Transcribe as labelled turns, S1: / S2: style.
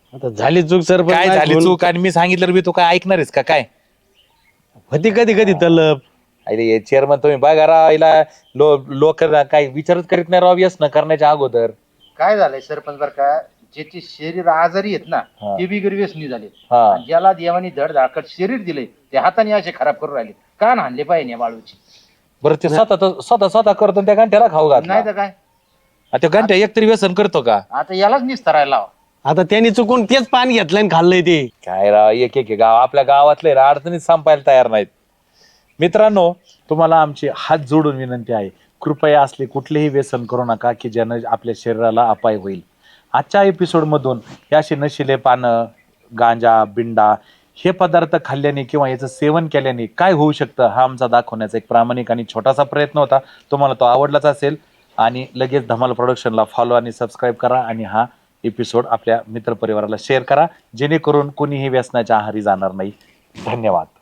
S1: आता झाली चूक सरपंच
S2: काय झाली चूक आणि मी सांगितलं बी तू काय ऐकणार आहेस का काय?
S1: होती कधी कधी तलब.
S2: अरे चेअरमन तुम्ही बघा राव हिला लोक काही विचारच करीत नाही राव व्यसन करण्याच्या अगोदर.
S3: काय झालंय सरपंच बर का, ज्याचे शरीर आजारी आहेत ना
S2: हा.
S3: ते बिगर व्यसनी झाले.
S2: हा.
S3: आणि ज्याला देवानी धड धाकट शरीर दिले ते हाताने असे खराब करून राहिले. कान हाणले पाहिजे या बाळूची.
S2: बरं ते स्वतः करतो आणि त्या घंट्याला खाऊ
S3: नाही
S2: घातला.
S3: तर काय,
S2: त्या घंट्या एकतरी व्यसन करतो का?
S3: आता यालाच निस्तरायला लावा.
S1: आता त्यांनी चुकून तेच पान घेतलं आणि खाल्लंय ते.
S2: काय राव एक एक गाव आपल्या गावातले अडचणीत संपायला तयार नाहीत. मित्रांनो, तुम्हाला आमची हात जोडून विनंती आहे, कृपया असले कुठलेही व्यसन करू नका की ज्यानं आपल्या शरीराला अपाय होईल. आजच्या एपिसोडमधून हे असे नशिले पानं, गांजा, बिंडा हे पदार्थ खाल्ल्याने किंवा याचं सेवन केल्याने काय होऊ शकतं हा आमचा दाखवण्याचा एक प्रामाणिक आणि छोटासा प्रयत्न होता. तुम्हाला तो आवडलाच असेल आणि लगेच धमाल प्रोडक्शनला फॉलो आणि सबस्क्राईब करा आणि हा एपिसोड आपल्या मित्रपरिवाराला शेअर करा जेणेकरून कोणीही व्यसनाच्या आहारी जाणार नाही. धन्यवाद.